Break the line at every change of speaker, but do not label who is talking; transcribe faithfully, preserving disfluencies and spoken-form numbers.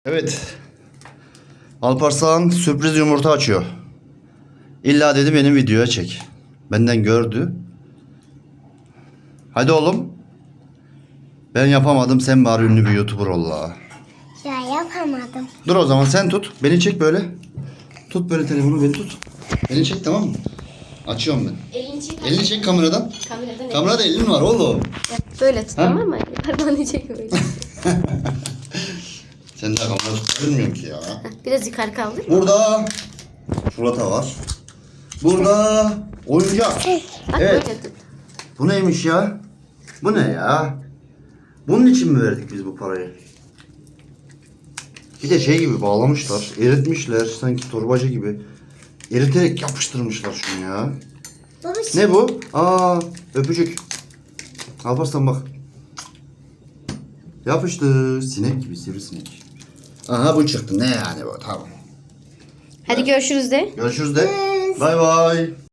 Evet. Alparslan sürpriz yumurta açıyor. İlla dedi benim videoya çek. Benden gördü. Hadi oğlum. Ben yapamadım, sen bari ünlü bir YouTuber ol la.
Ya yapamadım.
Dur o zaman sen tut. Beni çek böyle. Tut böyle telefonu, beni tut. Beni çek, tamam mı? Açıyorum ben.
Elini çek.
Elini çek kameradan.
Kameradan el.
Kamerada elin var oğlum.
Böyle tut,
Ha?
tamam mı? Parmağını çek böyle.
Sen daha kamera tutabilmiyorsun ki ya.
Biraz yukarı kaldır.
Burada çikolata var. Burada oyuncak.
Bak
Evet.
böyle tut.
Bu neymiş ya? Bu ne ya? Bunun için mi verdik biz bu parayı? Bir de şey gibi bağlamışlar. Eritmişler sanki torbacı gibi. Eriterek yapıştırmışlar şunu ya.
Baba
Ne bu? Aa, öpücük. Alparslan bak. Yapıştı. Sinek gibi, sivrisinek. Aha bu çıktı. Ne yani bu? Tamam.
Hadi görüşürüz de.
Görüşürüz de. Bay bay.